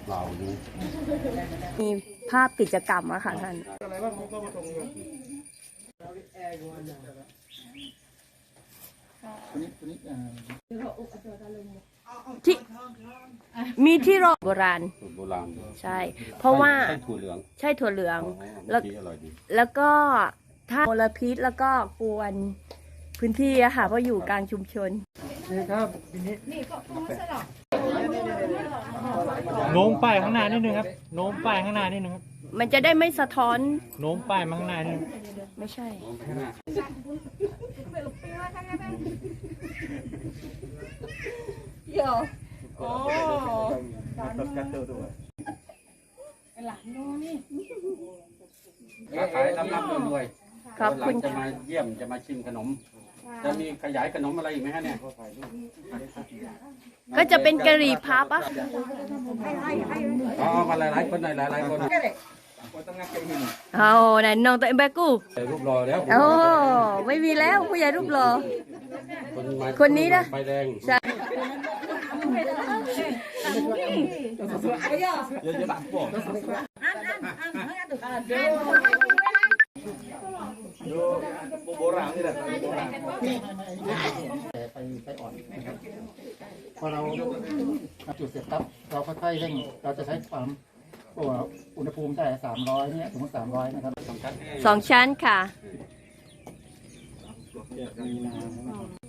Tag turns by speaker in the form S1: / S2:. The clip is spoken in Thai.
S1: เราดู
S2: มีภาพกิจกรรมอะค่ะท่านที่มีที่โบราณ
S1: สูตรโบราณ
S2: ใช่ เพราะว่า
S1: ใช่ถั่วเหลือง
S2: ใช่ถั่วเหลือง
S1: แล้วอร่อยดี
S2: แล้วก็ถ้ามลพิษแล้วก็กวนพื้นที่อะค่ะเพราะอยู่กลางชุมชน
S3: โน้มป้ายข้างหน้านิดนึงครับโน้มป้ายข้างหน้านิดนึงครับ
S2: มันจะได้ไม่สะท้อน
S3: โน้มป้ายมาข้างหน้านิดนึง
S2: ไม่ใช่
S1: ค้าขายรับรวย
S2: ขอบคุณ
S1: จะมาเยี่ยมจะมาชิมขนม จะมีขยายขนมอะไรอีกไหมฮะเนี่ย
S2: ก็จะเป็นกะหรี่พับอะ
S1: อ๋อมาหลายๆคนหน่อยหลายๆคน
S2: เอาไหนน้องตัวเองแบกู
S1: แต่รูปรอแล้ว
S2: โอ้ไม่มีแล้วผู้ใหญ่รูปหล่อ
S1: มา
S2: คนนี้นะ
S1: ไฟแดง
S2: ใช่
S1: เยอะๆตัดพวก โบราณนี่แหละโบราณ
S4: ไปอ่อนนะครับพอเราจุดเสร็จปั๊บเราค่อยๆเร่งเราจะใช้ความอุณหภูมิได้300เนี่ยสมมติ300นะครับ
S2: 2 ชั้นค่ะ